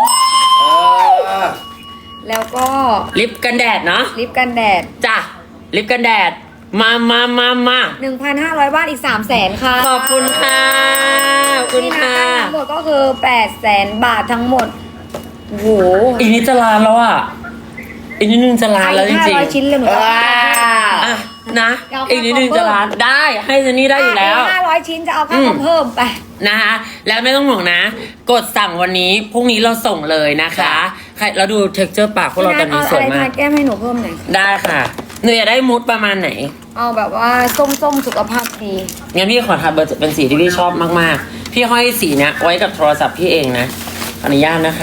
Speaker 4: แล้วก็
Speaker 1: ลิปกันแดดเนาะ
Speaker 4: ลิปกันแดด
Speaker 1: จ้ะลิปกันแดด มา
Speaker 4: 1,500 บ้านอีก 300,000 ค่ะ
Speaker 1: ขอบคุณค่ะขอบคุณ
Speaker 4: นี่นะ
Speaker 1: ค่ะ
Speaker 4: ทั้งหมดก็คือ 800,000 บาททั้งหมดโอ้โห
Speaker 1: อีกนิดจะล้านแล้วอ่ะอีกนิดนึงจะล้านแล้วจริง
Speaker 4: 500 ชิ้นเลยหนูจะ
Speaker 2: ว้าว
Speaker 1: ๆอ่ะนะอีกนิดนึงจะล้านได้ให้เจนนี่ได้อยู่แล้ว
Speaker 4: 500 ชิ้นจะเอาค่าคอมเพิ่มไป
Speaker 1: นะคะแล้วไม่ต้องห่วงนะ กดสั่งวันนี้พรุ่งนี้เราส่งเลยนะคะใครเราดูเท็กเจอร์ปากพวกเราตอนนี้สวย
Speaker 4: เอาอะไร
Speaker 1: มา
Speaker 4: ทาก แก้มให้หนูเพิ่มหน่อย
Speaker 1: ได้ค่ะหนูอยากได้มูดประมาณไหน
Speaker 4: เอาแบบว่าส้มๆสุขภาพดี
Speaker 1: งั้นพี่ขอทาเบอร์เป็นสีที่พี่ชอบมากๆ พี่ห้อยสีเนี้ยไว้กับโทรศัพท์พี่เองนะอนุญาตนะคะ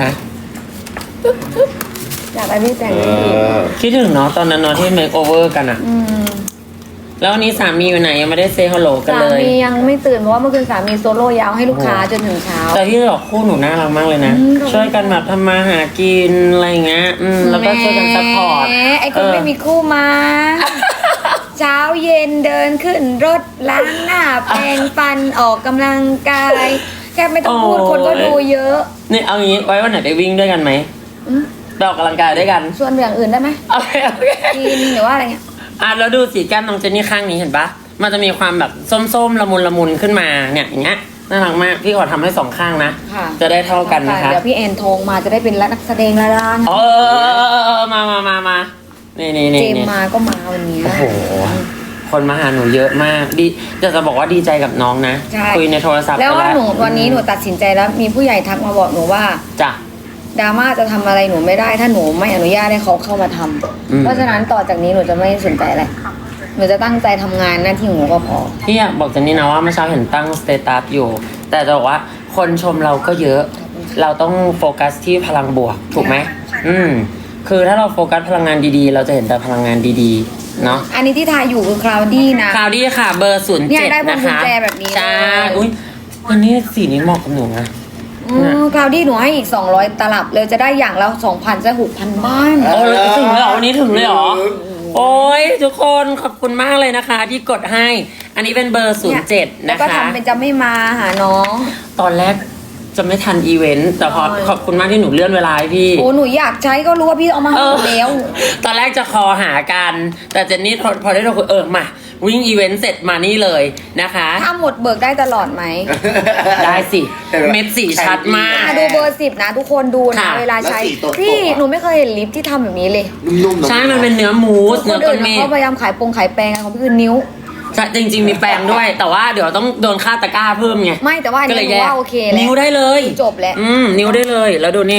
Speaker 4: อยากได้พี่แต่ง
Speaker 2: เอ
Speaker 4: ให้ดี
Speaker 2: อ
Speaker 1: คิดถึงเนาะตอนนั้นเนาะที่เมคโอเวอร์กันอะ
Speaker 4: ม
Speaker 1: แล้ววันนี้สามีอยู่ไหนยังไม่ได้เซฮัลโหลกัน
Speaker 4: สา
Speaker 1: เลย
Speaker 4: มียังไม่ตื่นเพราะว่าเมื่อคืนสามีโซโล่ยาวให้ลูกค้าจนถึงเช้า
Speaker 1: แต่ที่บอกคู่หนูน่ารักมากเลยนะ
Speaker 4: ขอบคุณ
Speaker 1: ช่วยกันแบบทำมาหากินอะไรอย่างเงี้ยแล้วก็ช่วยกันซัพพอร์ต
Speaker 4: แหมไอ้คนไม่มีคู่มา เช้าเย็นเดินขึ้นรถล้างหน้าแปรงฟันออกกำลังกาย แค่ไม่ต้องพูดคนก็ดูเยอะ
Speaker 1: นี่เอางี้ไว้วันไหนไปวิ่งด้วยกันไหม
Speaker 4: อืม
Speaker 1: ไปออกกำลังกายด้วยกัน
Speaker 4: ชวนไปอย่างอื่นได้ไหม
Speaker 1: โอเค
Speaker 4: กินหรือว่าอะไรเงี้ย
Speaker 1: แล้วดูสีแก้มน้องเจนนี่ข้างนี้เห็นปะมันจะมีความแบบส้มๆละมุนขึ้นมาเนี่ยอย่างเงี้ยน่ารักมากพี่ขอทำให้2ข้างนะ
Speaker 4: ค่ะ
Speaker 1: จะได้เท่ากันนะคะ
Speaker 4: เดี๋ยวพี่แอนโทงมาจะได้เป็นนักแสดงละล่าง
Speaker 1: เออมานี่
Speaker 4: เจมมาก็มาวันนี้
Speaker 1: โอ้โหคนมาหาหนูเยอะมากดีจะบอกว่าดีใจกับน้องนะ
Speaker 4: ใช่
Speaker 1: คุยในโทรศัพท์
Speaker 4: แล้วว่า
Speaker 1: กั
Speaker 4: หนูวันนี้หนูตัดสินใจแล้วมีผู้ใหญ่ทักมาบอกหนูว่า
Speaker 1: จ้ะ
Speaker 4: ดราม่าจะทำอะไรหนูไม่ได้ถ้าหนูไม่อนุญาตให้เขาเข้ามาทำ
Speaker 1: อืม
Speaker 4: เพราะฉะนั้นต่อจากนี้หนูจะไม่สนใจอะไรหนูจะตั้งใจทำงานหน้าที่ของหนูก็พอ
Speaker 1: พี่อยากบอกเจนนี่นะว่าเมื่อเช้าเห็นตั้งสเตตัสอยู่ แต่จะบอกว่าคนชมเราก็เยอะ เราต้องโฟกัสที่พลังบวกถูกไหมคือถ้าเราโฟกัสพลังงานดีๆ เราจะเห็นแต่พลังงานดีๆเนาะ
Speaker 4: อันนี้ที่ทายอยู่คือคลาวดี้นะ
Speaker 1: คราวดี้ค่ะเบอร์07
Speaker 4: เนี่ยได้พวง
Speaker 1: นะ
Speaker 4: กุญ
Speaker 1: คะ
Speaker 4: แจแบบนี้
Speaker 1: ใช่
Speaker 4: เลย
Speaker 1: อุ้ยวันนี้สีนี้เหมาะกับหนูนะ
Speaker 4: คลาวดี้หนูให้อีก200ตลับเลยจะได้อย่างละ2,000จะ6,000 บ้าน
Speaker 1: โอ้ยถึงเลยเหรอวันนี้ถึงเลยเหรอ โอ้ยทุกคนขอบคุณมากเลยนะคะ ที่กดให้ อันนี้เป็นเบอร์ 07
Speaker 4: แล้ว
Speaker 1: นะ
Speaker 4: ก็
Speaker 1: คะ
Speaker 4: ทำเป็นจะไม่มาหาน้อง
Speaker 1: ตอนแรกจะไม่ทันอีเวนต์แต่พอ
Speaker 4: โอ้ย
Speaker 1: ขอบคุณมากที่หนูเลื่อนเวลาให้พี่
Speaker 4: โอ้หนูอยากใช้ก็รู้ว่าพี่เอามาให้หมดแล้ว
Speaker 1: ตอนแรกจะคอหากัน แต่เจนนี่พอได้เราคุยมาวิ่งอีเวนต์เสร็จมานี่เลยนะคะ
Speaker 4: ถ้าหมดเบิกได้ตลอดไหม
Speaker 1: ได้สิ เม็ดสีชัดมาก
Speaker 4: ดูเบอร์10นะทุกคนดูนะ
Speaker 1: ค่ะ
Speaker 4: เวลาใช้
Speaker 2: แล้วสีตรงๆ
Speaker 4: พี่
Speaker 2: อะ
Speaker 4: หนูไม่เคยเห็นลิปที่ทำแบบนี้เลย
Speaker 2: นุ่มๆ
Speaker 1: ใช่มันเป็นเนื้อมูส
Speaker 4: ค
Speaker 1: เนื้อน ต้
Speaker 4: อื่
Speaker 1: น
Speaker 4: น
Speaker 1: เมฆ
Speaker 4: เขาพยายามขายขายแปรงกันของพี่คือนิ้ว
Speaker 1: ใช่จริงๆมีแปรงด้วย แต่ว่าเดี๋ยวต้องโดนค่าตะกร้าเพิ่มไง
Speaker 4: ไม่แต่ว่าอัน
Speaker 1: ก็
Speaker 4: นี้
Speaker 1: เลย
Speaker 4: หนู
Speaker 1: แยก
Speaker 4: ว่าโอเคแล้ว
Speaker 1: นิ้วได้เลย
Speaker 4: จบแล้ว
Speaker 1: นิ้วได้เลยแล้วดูนี่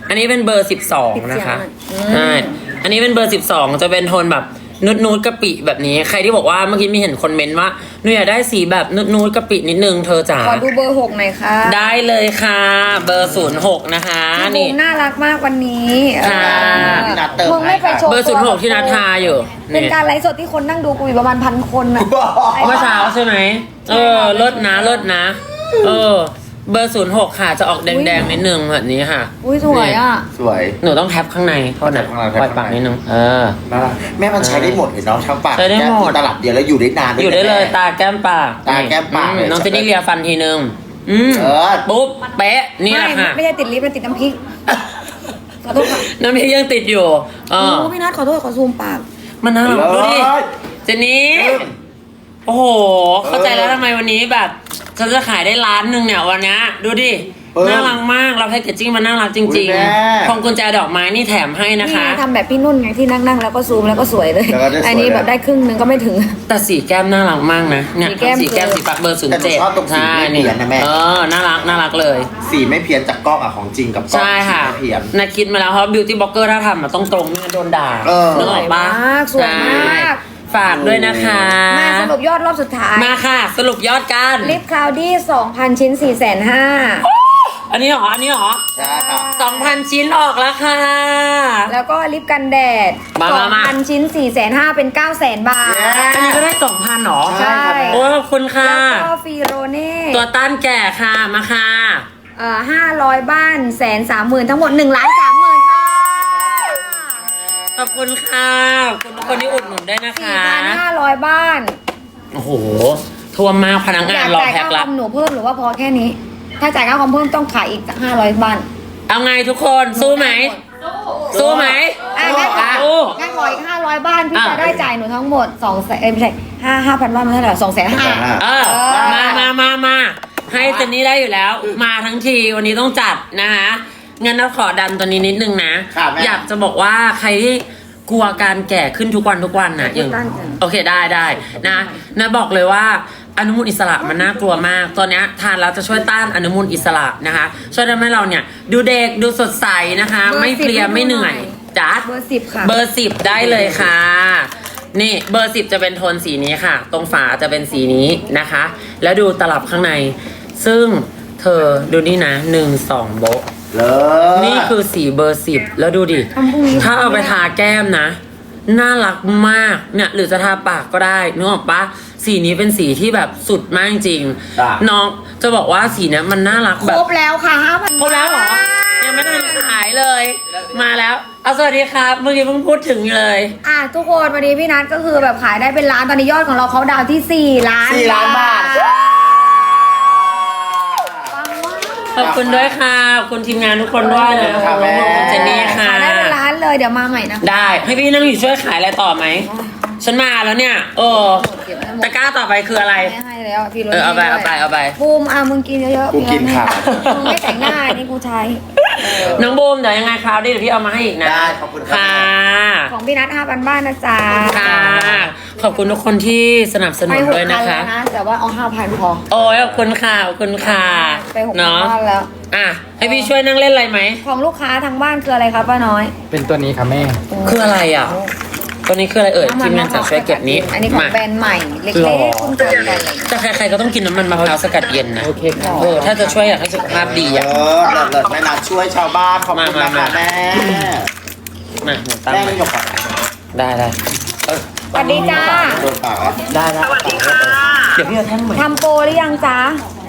Speaker 1: อันนี้เป็นเบอร์ 12 นะคะใช่อันนี้เป็นเบอร์ 12 จะเป็นโทนแบบนูดกะปิแบบนี้ใครที่บอกว่าเมื่อกี้มีเห็นคอมเมนต์ว่าหนูอยากได้สีแบบนูดกะปินิดนึงเธอจ๋า
Speaker 4: ขอดูเบอร์ 6หน่อยค่ะ
Speaker 1: ได้เลยค่ะ เบอร์ 06 นะคะ
Speaker 4: พี่บู
Speaker 1: นี่
Speaker 4: มน่ารักมากวันนี้
Speaker 1: ค่ะ
Speaker 2: นัดเติม
Speaker 4: มึงไม่ไปโชว์
Speaker 1: เบอร์ 06 ที่นัดทาอยู่
Speaker 4: เป็น
Speaker 1: นี่
Speaker 4: การไลฟ์สดที่คนนั่งดูกูอยู่ประมาณ1,000 คนอะ
Speaker 1: เมื่อเช้าใช่ไหมเลิศนะเลิศนะ เบอร์ 06 ค่ะจะออกแดงๆนิดนึงแบบนี้ค่ะ
Speaker 4: อุ้ยสวยอ่ะ
Speaker 2: สวย
Speaker 1: หนูต้องแท็บข้างในโทษนะ
Speaker 2: แท็บข้างใน
Speaker 1: ปล่อยปากนิดนึง
Speaker 2: น่ารักแม่มันใช้ได้หมดเลยเนาะทั้งปาก
Speaker 1: ใช้ได้หมด
Speaker 2: แก้ตลับเดียวแล้วอยู่ได้นานด้วย
Speaker 1: อยู่ได้เลย
Speaker 2: แม่
Speaker 1: ตาแก้มปาก
Speaker 2: ตาแก้มปาก
Speaker 1: น้องเจนนี่เลียฟันทีนึง
Speaker 2: เออ
Speaker 1: ปุ๊บเป๊ะนี่แหละค่ะ
Speaker 4: ไม่ใช่ติดลิปมันติดน้ำพริก ขอโทษค่ะ
Speaker 1: น้ำพริกยังติดอยู่
Speaker 4: โอ้พี่นัทขอโทษขอซูมปาก
Speaker 1: มันน่ารักดูดิ
Speaker 2: เลิศ
Speaker 1: เจนนี่โอ้โห เข้าใจแล้วทำไมวันนี้แบบฉันจะขายได้ล้านหนึ่งเนี่ยวันนี้ดูดิ น่ารักมากเราแพ็กเกจจิ้งมันน่ารักจริง
Speaker 2: อุ๊ยแม่
Speaker 1: ๆพวงกุญแจดอกไม้นี่แถมให้นะ
Speaker 4: นี่
Speaker 1: คะ
Speaker 4: ทำแบบพี่นุ่นไงที่นั่งแล้วก็ซูมแล้วก็สวยเลย
Speaker 2: แล้วก็ได้สวย
Speaker 4: อันนี้แบบได้ครึ่งนึงก็ไม่ถึง
Speaker 1: แต่สีแก้มน่ารักมากนะเนี่ย
Speaker 4: สีแก้ม
Speaker 1: สีแก้มสีปากเบอร์
Speaker 2: แต่หนูชอบตรงสี
Speaker 1: ใช่
Speaker 2: ไม่เปลี่ยนนะแม่
Speaker 1: น่ารักเลย
Speaker 2: สีไม่เพี้ยนจากกล้องอะของจริงกับกล้อง
Speaker 1: ใช่ค่ะ
Speaker 2: สีไม่เพี้ยน
Speaker 1: นาคิดมาแล้วเพราะบิวตี้บล็อกเกอร์ถ้าทำมันต้องตรงไม่งั้นโดนด่า
Speaker 2: เออ
Speaker 1: นึกออกปะ
Speaker 4: สวยมาก
Speaker 1: ใช่ฝากด้วยนะคะ
Speaker 4: มาสรุปยอดรอบสุดท้าย
Speaker 1: มาค่ะ สรุปยอดกัน
Speaker 4: ลิปคลาวดี้ 2,000 ชิ้น 450,000
Speaker 1: อันนี้เหรอ
Speaker 2: ใช่ค่ะ
Speaker 1: 2,000 ชิ้นออกแล้วค่ะ
Speaker 4: แล้วก็ลิปกันแดด
Speaker 1: มา
Speaker 4: 2,000 ชิ้น 450,000 เป็น 900,000 บาท
Speaker 1: อันนี้ก็ได้ 2,000หรอ
Speaker 2: ใช่ค่ะ
Speaker 1: โอ้ยขอบคุณค่ะ
Speaker 4: แล้วก็ฟีโรเน่
Speaker 1: ตัวต้านแก่ค่ะ มาค่ะ
Speaker 4: 500 บ้าน 130,000 ทั้งหมด 1,30,000 ค่ะ
Speaker 1: ขอบคุณค่ะขอบคุณทุกคนที่อุดหนุนด้วยนะคะ
Speaker 4: 4,500 บ้าน
Speaker 1: โอ้โหท่วมมากพนักงาย
Speaker 4: อาน ก
Speaker 1: รอ
Speaker 4: จ่าย
Speaker 1: แพ็ค
Speaker 4: ค่าค
Speaker 1: ละ
Speaker 4: อมหนูเพิ่มหรือว่าพอแค่นี้ ถ้าจ่ายค่าคอมเพิ่มต้องขายอีก500 บ้าน
Speaker 1: เอาไงทุกคนสู้ไหม สู้ไหม
Speaker 4: งั้นขอ
Speaker 1: สู้
Speaker 4: งั้นขออีก500 บ้าน พี่
Speaker 1: อ่ะ
Speaker 4: จะได้จ่ายหนูทั้งหมด200,000ไม่ใช่5,000 บ้านมันเท่าไหร่250,000
Speaker 1: เออมาให้เจนนี่ได้อยู่แล้ว มาทั้งทีวันนี้ต้องจัดนะคะงั้นเราขอดันตัวนี้นิดนึงนะ
Speaker 2: ครับแม่
Speaker 1: อยากจะบอกว่าใครที่กลัวการแก่ขึ้นทุกวันนะอย่าง
Speaker 4: ตั้งใจ
Speaker 1: โอเคได้นะบอกเลยว่าอนุมูลอิสระมันน่ากลัวมากตัวเนี้ยทานแล้วจะช่วยต้านอนุมูลอิสระนะคะช่วยทำให้เราเนี่ยดูเด็กดูสดใสนะคะ
Speaker 4: เบอร์
Speaker 1: ไม่เพลีย
Speaker 4: 10
Speaker 1: ไม่เหนื่อยจ้า
Speaker 4: เบอร์ 10 ค่ะ
Speaker 1: เบอร์ 10 ได้เลยค่ะ นี่เบอร์ 10 จะเป็นโทนสีนี้ค่ะ ตรงฝาจะเป็นสีนี้นะคะ แล้วดูตลับข้างใน ซึ่งเธอดูนี่นะ1-2โบะ
Speaker 2: เลิศ
Speaker 1: นี่คือสีเบอร์ 10 แล้วดูดิ
Speaker 4: ทำพรุ่งนี้
Speaker 1: ถ้าเอาไปทาแก้มนะ น่ารักมากเนี่ยหรือจะทาปากก็ได้นึกออกปะสีนี้เป็นสีที่แบบสุดมากจริง
Speaker 2: จ้ะ
Speaker 1: น้องจะบอกว่าสีเนี้ยมันน่ารัก
Speaker 4: ค
Speaker 1: แบบ
Speaker 4: รบแล้วค่ะ 5,000
Speaker 1: ครบแล้วเหรอ ยังไม่ทันขายเลย มาแล้ว เอาสวัสดีครับ เมื่อกี้เพิ่งพูดถึงอยู่เลย
Speaker 4: ทุกคนวันนี้พี่นัทก็คือแบบขายได้เป็นล้านตอนนี้ยอดของเราเขาดาวที่ 4 ล้าน
Speaker 2: 4 ล้านบาท
Speaker 1: ขอบคุณด้วยค่ะ ขอบคุณทีมงานทุกคนด้วยนะ
Speaker 2: ขอบคุณค่ะแม่
Speaker 1: ขอบคุณเจนนี่ค่ะ
Speaker 4: ขายได้เป็นล้านเลยเดี๋ยวมาใหม่นะ
Speaker 1: ได้ ให้พี่นั่งอยู่ช่วยขายอะไรต่อไหม ฉันมาแล้วเนี่ย
Speaker 4: เก็บไว้หมด
Speaker 1: ตะกร้าต่อไปคืออะไร
Speaker 4: ไม่ให้แล้วพี่โร
Speaker 1: เอาไป
Speaker 4: บูมมึงกินเยอะๆ
Speaker 2: กูกินค่ะ
Speaker 4: มึงไม่แต่งหน้านี่กูใช้
Speaker 1: น้องบูมเดี๋ยวยังไงคราวนี้เดี๋ยวพี่เอามาให้อีกนะ
Speaker 2: ได้ขอบคุณครับ
Speaker 1: ค่ะ
Speaker 4: ของพี่นัท5,000 บ้านนะจ๊ะ
Speaker 1: ค่ะ ขอบคุณทุกคนที่สนับสนุ
Speaker 4: ไป
Speaker 1: น
Speaker 4: 6,000
Speaker 1: ด้วยนะ
Speaker 4: แล้
Speaker 1: คะ
Speaker 4: วนะแต่ว่าเอา 5,000 พอ
Speaker 1: โอ้ยขอบคุณค่ะ ขอบคุณค่ะ
Speaker 4: ไป6,000
Speaker 1: เนาะ
Speaker 4: บ้านแล้ว
Speaker 1: อ่ะ ให้พี่ช่วยนั่งเล่นอะไรไหม
Speaker 4: ของลูกค้าทางบ้านคืออะไรครับป้าน้อย
Speaker 5: เป็นตัวนี้ค่ะแม่
Speaker 1: คืออะไรอ่ะ ตัวนี้คืออะไรเอ่ยทีมงานจะช่วยเก็บนี้
Speaker 4: อันนี้ของ
Speaker 1: มา
Speaker 4: แบรนด์ใหม่เล็
Speaker 1: หรอ
Speaker 4: กๆคุณเจอกันเลย
Speaker 1: แต่ใครๆก็ต้องกินน้ำมันมะพร้าวสกัดเย็นนะ
Speaker 5: โอเคค่ะ
Speaker 1: ถ้าจะช่วยอยากให้สุขภาพดีอ่ะ
Speaker 2: เลิศแม่นัดช่วยชาวบ้านขอบคุณนะคะแม่
Speaker 1: มาหนูตั้ง
Speaker 2: แม่
Speaker 1: ไว้
Speaker 2: ไม่ยกปาก
Speaker 1: ได้เออ
Speaker 4: สวัสดีจ้า
Speaker 2: โดนปากเหรอ
Speaker 1: ได้
Speaker 3: สวัสดีค่ะ
Speaker 1: เดี๋ยวพี่จะแท่งใหม่
Speaker 4: ทำโปรหรือยังจ๊ะ